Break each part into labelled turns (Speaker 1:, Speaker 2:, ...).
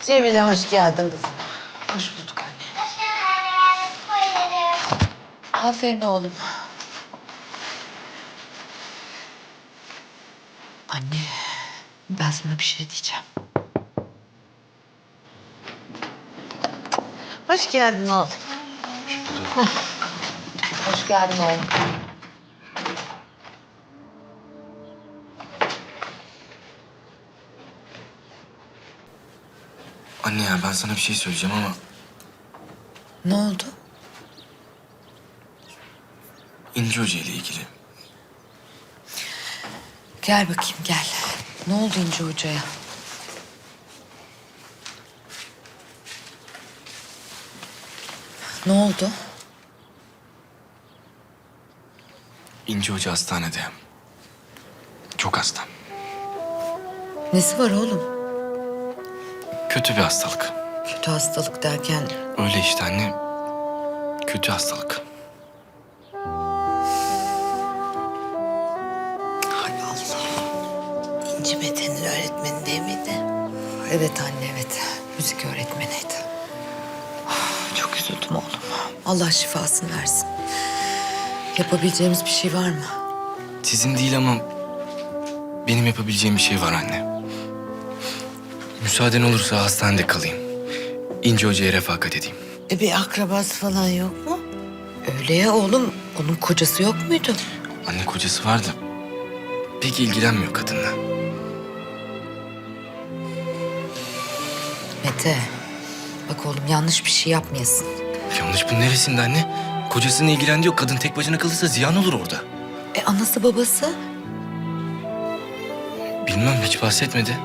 Speaker 1: Cemile hoş geldin kızım.
Speaker 2: Hoş bulduk anne.
Speaker 1: Aferin oğlum.
Speaker 2: Anne, ben sana bir şey diyeceğim.
Speaker 1: Hoş geldin oğlum. Hoş geldin oğlum.
Speaker 3: Anne ya ben sana bir şey söyleyeceğim ama
Speaker 2: Ne oldu?
Speaker 3: İnci Hoca ile ilgili.
Speaker 2: Gel bakayım gel. Ne oldu İnci Hoca'ya? Ne oldu?
Speaker 3: İnci Hoca hastanede. Çok hasta.
Speaker 2: Nesi var oğlum?
Speaker 3: Kötü bir hastalık.
Speaker 2: Kötü hastalık derken
Speaker 3: Öyle işte anne. Kötü hastalık.
Speaker 2: hay Allah.
Speaker 1: İnci Mete'nin öğretmeni değil miydi?
Speaker 2: Evet anne evet. Müzik öğretmeniydi. Çok üzüldüm oğlum. Allah şifasını versin. Yapabileceğimiz bir şey var mı?
Speaker 3: Sizin değil ama benim yapabileceğim bir şey var anne. Müsaaden olursa hastanede kalayım. İnci Hoca'ya refakat edeyim.
Speaker 1: Bir akrabası falan yok mu?
Speaker 2: Öyle ya oğlum. Onun kocası yok muydu?
Speaker 3: Anne kocası vardı. Pek ilgilenmiyor kadınla.
Speaker 2: Mete. Bak oğlum yanlış bir şey yapmayasın.
Speaker 3: Yanlış bunun neresinde anne? Kocasını ilgilendiriyor. Kadın tek başına kalırsa ziyan olur orada.
Speaker 2: Anası babası?
Speaker 3: Bilmem hiç bahsetmedi.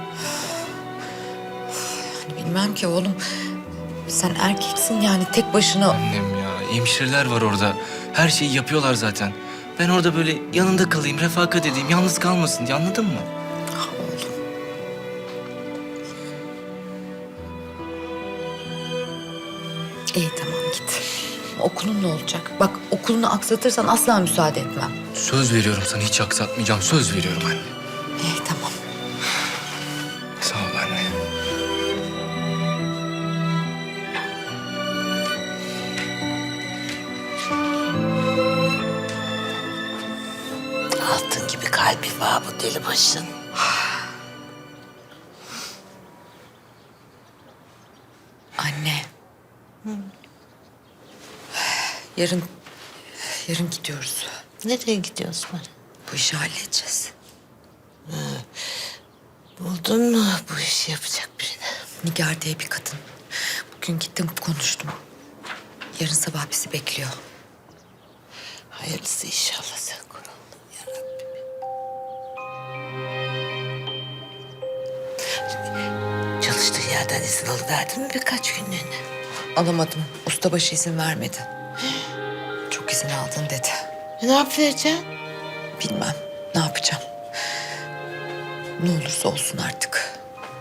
Speaker 2: Bilmem ki oğlum. Sen erkeksin yani tek başına.
Speaker 3: Annem ya, hemşireler var orada. Her şeyi yapıyorlar zaten. Ben orada böyle yanında kalayım, refakat edeyim, yalnız kalmasın diye anladın mı?
Speaker 2: Ah oğlum. İyi tamam git. Okulun ne olacak? Bak okulunu aksatırsan asla müsaade etmem.
Speaker 3: Söz veriyorum sana hiç aksatmayacağım. Söz veriyorum anne.
Speaker 2: İyi tamam.
Speaker 3: Sağ ol anne.
Speaker 1: Altın gibi kalbi var bu deli başın.
Speaker 2: Anne. Yarın gidiyoruz.
Speaker 1: Nereye gidiyorsun bana?
Speaker 2: Bu işi halledeceğiz.
Speaker 1: Buldun mu bu işi yapacak birini?
Speaker 2: Nigar diye bir kadın. Bugün gittim konuştum. Yarın sabah bizi bekliyor.
Speaker 1: Hayırlısı inşallah sen kuralım yarabbim. Çalıştığın yerden izin alıverdin mi birkaç günlüğüne?
Speaker 2: Alamadım. Ustabaşı izin vermedi. Çok izin aldın dedi.
Speaker 1: Ne yapacaksın?
Speaker 2: Bilmem ne yapacağım. Ne olursa olsun artık.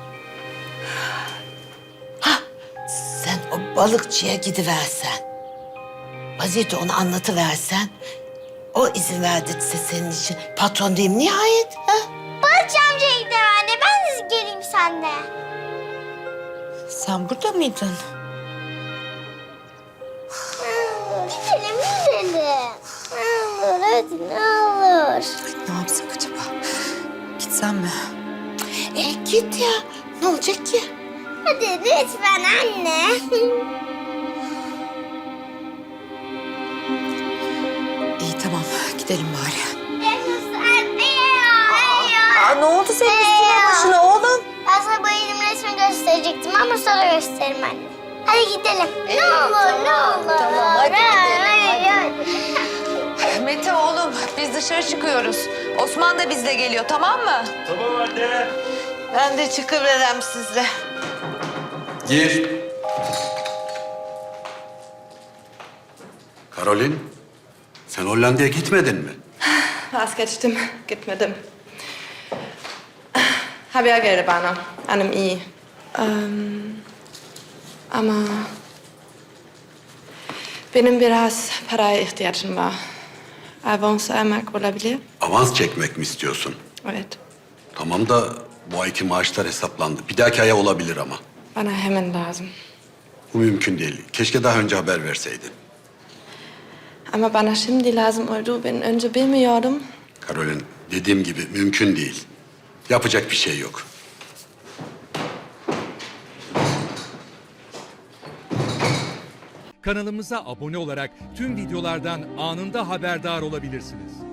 Speaker 1: Sen o balıkçıya gidiversen. Vaziyeti ona anlatıversen. O izin verdiyse senin için patron diyeyim nihayet. Ha?
Speaker 4: Barış amcaya gidelim anne. Ben de geleyim seninle.
Speaker 2: Sen burada mıydın?
Speaker 4: Gidelim gidelim. Ne olur hadi ne olur.
Speaker 2: Ne yapsak acaba? Gitsem mi?
Speaker 1: Git ya. Ne olacak ki?
Speaker 4: Hadi lütfen anne.
Speaker 2: İyi tamam gidelim bari.
Speaker 4: Ne
Speaker 2: oldu senin üstüne başına oğlum?
Speaker 4: Ben sana bayılım resmi gösterecektim ama sonra gösteririm anne. Hadi gidelim. Ne olur ne olur.
Speaker 2: Tamam, hadi gidelim,
Speaker 4: hadi.
Speaker 2: Mete oğlum biz dışarı çıkıyoruz. Osman da bizle geliyor tamam mı?
Speaker 1: Ben de çıkıverem sizle.
Speaker 5: Gir. Karolin, sen Hollanda'ya gitmedin mi?
Speaker 6: Vazgeçtim, gitmedim. Haber geldi bana, annem iyi. Ama benim biraz paraya ihtiyacım var. Avans almak olabilir.
Speaker 5: Avans çekmek mi istiyorsun?
Speaker 6: Evet.
Speaker 5: Tamam da bu ayki maaşlar hesaplandı. Bir dahaki aya olabilir ama.
Speaker 6: Bana hemen lazım.
Speaker 5: Bu mümkün değil. Keşke daha önce haber verseydin.
Speaker 6: Ama bana şimdi lazım oldu. Ben önce bilmiyordum.
Speaker 5: Karolin, dediğim gibi mümkün değil. Yapacak bir şey yok.
Speaker 7: Kanalımıza abone olarak tüm videolardan anında haberdar olabilirsiniz.